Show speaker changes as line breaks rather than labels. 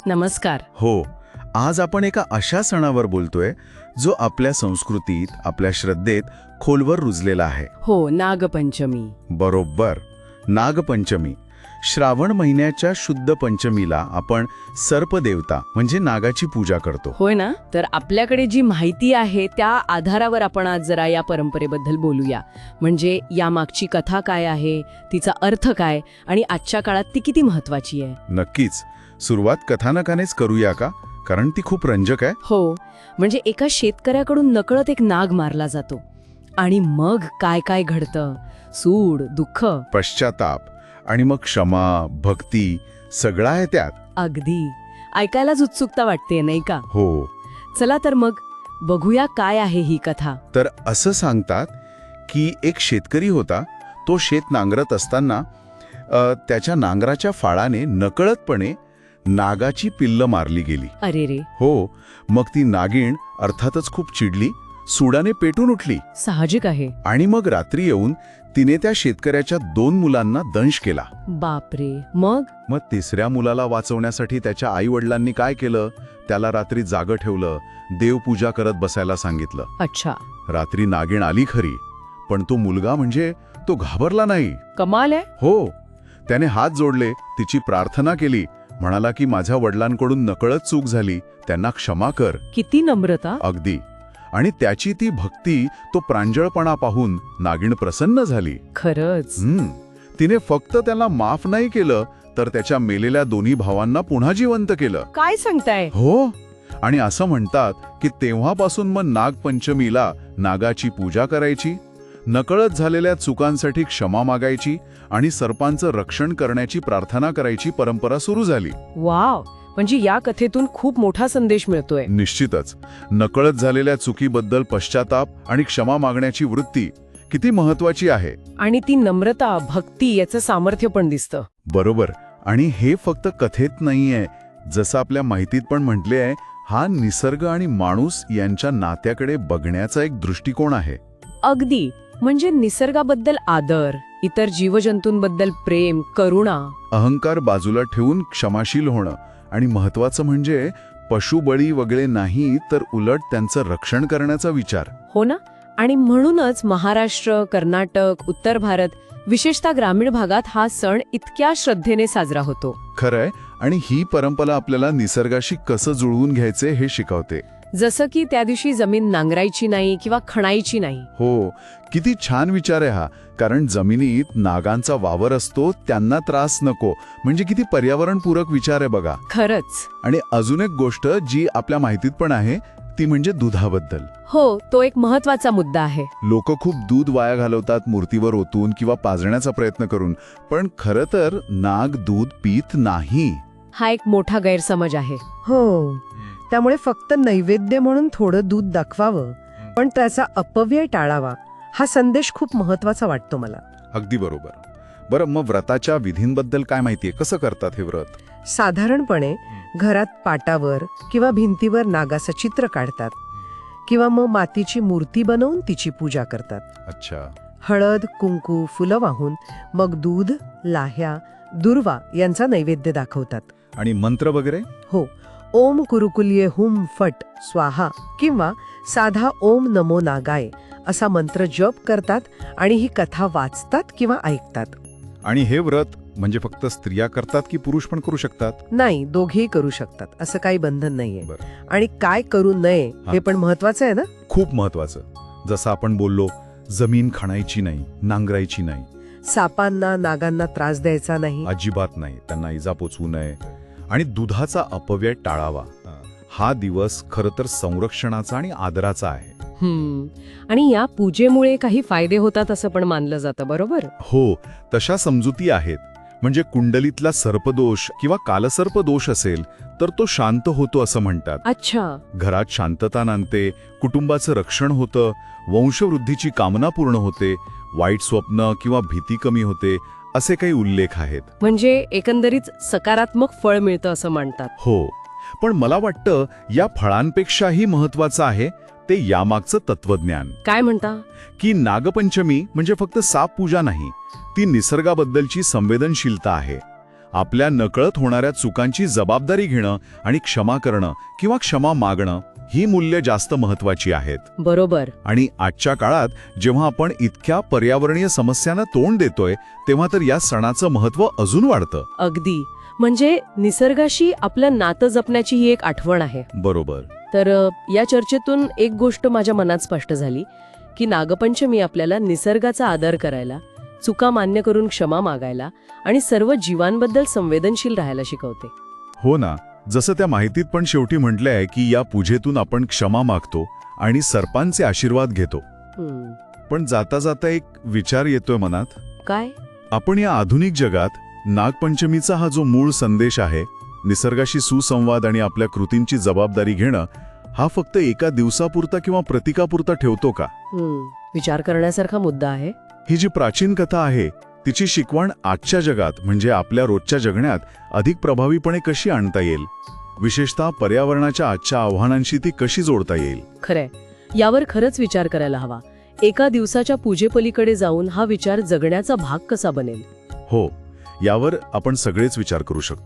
नमस्कार.
हो, आज आपण एका अशा सणावर बोलतोय जो आपल्या संस्कृतीत, आपल्या श्रद्धेत खोलवर रुजलेला आहे.
हो, नागपंचमी.
बरोबर, नागपंचमी. श्रावण महिन्याच्या शुद्ध पंचमीला आपण सर्पदेवता म्हणजे नागाची पूजा करतो.
होय ना. तर आपल्याकडे जी माहिती आहे त्या आधारावर आपण आज जरा या परंपरेबद्दल बोलूया. म्हणजे यामागची कथा काय आहे, तिचा अर्थ काय आणि आजच्या काळात ती किती महत्वाची आहे.
नक्कीच. सुरुवात कथानकानेच करूया का? कारण ती खूप रंजक आहे.
हो, म्हणजे एका शेतकऱ्याकडून नकळत एक नाग मारला जातो आणि मग काय काय घडतं. सूड, दुःख.
पश्चाताप आणि मग क्षमा, भक्ती सगळं आहे त्यात.
अगदी ऐकायलाच उत्सुकता वाटते, नाही का?
हो.
चला तर मग बघूया काय आहे ही कथा.
तर असं सांगतात की एक शेतकरी होता. तो शेत नांगरत असताना त्याच्या नांगराच्या फाळाने नकळतपणे नागाची पिल्ल मारली गेली.
अरे रे.
हो, मग ती नागिण अर्थातच खूप चिडली, सुडाने पेटून उठली
साहजिक आहे.
आणि मग रात्री येऊन तिने त्या शेतकऱ्याच्या 2 मुलांना दंश केला.
बापरे. मग
तिसऱ्या मुलाला वाचवण्यासाठी त्याच्या आई वडिलांनी काय केलं? त्याला रात्री जागं ठेवलं, देवपूजा करत बसायला सांगितलं.
अच्छा.
रात्री नागिण आली खरी, पण तो मुलगा म्हणजे तो घाबरला नाही.
कमाल आहे.
हो, त्याने हात जोडले, तिची प्रार्थना केली, म्हणाला की माझ्या वडिलांकडून नकळत चूक झाली, त्यांना क्षमा कर.
किती नम्रता.
अगदी. आणि त्याची ती भक्ती, तो प्रांजळपणा पाहून नागिण प्रसन्न झाली.
खरंच.
तिने फक्त त्याला माफ नाही केलं, तर त्याच्या मेलेल्या 2 भावांना पुन्हा जिवंत केलं.
काय सांगताय.
हो. आणि असं म्हणतात की तेव्हापासून मग नागपंचमीला नागाची पूजा करायची, नकळत झालेल्या चुकांसाठी क्षमा मागायची आणि सर्पांचं रक्षण करण्याची प्रार्थना करायची परंपरा सुरू झाली.
वाव. म्हणजे या कथेतून खूप मोठा संदेश मिळतोय.
निश्चितच. नकळत झालेल्या चुकीबद्दल पश्चाताप आणि क्षमा मागण्याची वृत्ती किती महत्वाची आहे.
आणि ती नम्रता, भक्ती याचं सामर्थ्य पण दिसतं.
बरोबर. आणि हे फक्त कथेत नाहीये, जसं आपल्या माहितीत पण म्हटले आहे, हा निसर्ग आणि माणूस यांच्या नात्याकडे बघण्याचा एक दृष्टिकोन आहे.
अगदी. म्हणजे निसर्गाबद्दल आदर, इतर जीवजंतूंबद्दल प्रेम, करुणा.
अहंकार बाजूला ठेवून क्षमाशील होणं आणि महत्वाचं म्हणजे पशुबळी वगैरे नाही, तर उलट त्यांचं रक्षण करण्याचा विचार.
हो ना. आणि म्हणूनच महाराष्ट्र, कर्नाटक, उत्तर भारत, विशेषतः ग्रामीण भागात हा सण इतक्या श्रद्धेने साजरा होतो.
खरंय. आणि ही परंपरा आपल्याला निसर्गाशी कसं जुळवून घ्यायचे हे शिकवते.
जसं की त्या दिवशी जमीन नांगरायची नाही किंवा खणायची नाही.
हो, किती छान विचार आहे हा. कारण जमिनीत नागांचा वावर असतो, त्यांना त्रास नको, म्हणजे किती पर्यावरणपूरक विचार आहे बघा.
खरंच.
आणि अजून एक गोष्ट जी आपल्या माहितीत पण आहे, ती म्हणजे दुधाबद्दल.
हो, तो एक महत्वाचा मुद्दा आहे.
लोक खूप दूध वाया घालवतात मूर्तीवर ओतून किंवा पाजण्याचा प्रयत्न करून, पण खरं तर नाग दूध पीत नाही.
हा एक मोठा गैरसमज आहे.
हो. त्यामुळे फक्त नैवेद्य म्हणून थोडं दूध दाखवावं, पण त्याचा अपव्यय टाळावा, हा संदेश खूप महत्वाचा वाटतो मला.
अगदी बरोबर. बरं, मग व्रताच्या विधींबद्दल काय माहितीये? कसं करतात हे व्रत?
साधारणपणे घरात पाटावर किंवा भिंतीवर नागाचं चित्र काढतात किंवा मग मातीची मूर्ती बनवून तिची पूजा करतात.
अच्छा.
हळद, कुंकू, फुलं वाहून मग दूध, लाह्या, दुर्वा यांचा नैवेद्य दाखवतात.
आणि मंत्र वगैरे?
हो. ओम कुरुकुल्ये हुम फट स्वाहा किंवा साधा ओम नमो नागाय असा मंत्र जप करतात आणि ही कथा वाचतात किंवा ऐकतात.
आणि हे व्रत म्हणजे फक्त स्त्रिया करतात की पुरुष पण करू शकतात?
नाही, दोघेही करू शकतात, असं काही बंधन नाहीये.
बरं.
आणि काय करू नये हे पण महत्वाचं आहे ना.
खूप महत्वाचं. जसं आपण बोललो, जमीन खणायची नाही, नांगरायची नाही,
सापांना, नागांना त्रास द्यायचा नाही,
अजिबात नाही, त्यांना इजा पोचवू नये, आणि दुधाचा अपव्यय टाळावा. हा दिवस खरं तर संरक्षणाचा आणि आदराचा आहे.
आणि या पूजेमुळे काही फायदे होतात असं पण मानलं जातं, बरोबर?
हो, तशा समजुती आहेत. म्हणजे कुंडलीतला सर्पदोष किंवा कालसर्प दोष असेल तर तो शांत होतो असं म्हणतात.
अच्छा.
घरात शांतता नांदते, कुटुंबाचं रक्षण होतं, वंशवृद्धीची कामना पूर्ण होते, वाईट स्वप्न किंवा भीती कमी होते, असे काही उल्लेख आहेत.
म्हणजे एकंदरीत सकारात्मक फळ मिळतं असं म्हणतात.
हो, पण मला वाटतं या फळांपेक्षाही महत्वाचं आहे ते यामागचं तत्वज्ञान.
काय म्हणता?
की नागपंचमी म्हणजे फक्त साप पूजा नाही, ती निसर्गाबद्दलची संवेदनशीलता आहे. आपल्या नकळत होणाऱ्या चुकांची जबाबदारी घेणं आणि क्षमा करणं किंवा क्षमा मागणं ही मूल्य जास्त महत्वाची आहेत.
बरोबर.
आणि आजच्या काळात जेव्हा आपण इतक्या पर्यावरणीय समस्यांना तोंड देतोय तेव्हा तर या सणाचं महत्त्व अजून वाढतं.
अगदी. म्हणजे निसर्गाशी आपलं नातं जपण्याची ही एक आठवण आहे.
बरोबर.
तर या चर्चेतून एक गोष्ट माझ्या मनात स्पष्ट झाली की नागपंचमी आपल्याला निसर्गाचा आदर करायला, चुका मान्य करून क्षमा मागायला आणि सर्व जीवांबद्दल संवेदनशील राहायला शिकवते.
हो ना, जसं त्या माहितीत पण शेवटी म्हटलंय की या पूजेतून आपण क्षमा मागतो आणि सर्पांचे आशीर्वाद घेतो. पण जाता जाता एक विचार येतोय मनात.
काय?
आपण या आधुनिक जगात नागपंचमीचा हा जो मूळ संदेश आहे, निसर्गाशी सुसंवाद आणि आपल्या कृतींची जबाबदारी घेणं, हा फक्त एका दिवसापुरता किंवा प्रतीकापुरता ठेवतो का?
विचार करण्यासारखा मुद्दा आहे.
ही जी प्राचीन कथा आहे तिची शिकवण आजच्या जगात म्हणजे आपल्या रोजच्या जगण्यात अधिक प्रभावीपणे कशी आणता येईल, विशेषतः पर्यावरणाच्या आजच्या आव्हानांशी ती कशी जोडता येईल?
खरंय, यावर खरंच विचार करायला हवा. एका दिवसाच्या पूजेपलीकडे जाऊन हा विचार जगण्याचा भाग कसा बनेल?
हो, यावर आपण सगळेच विचार करू शकतो.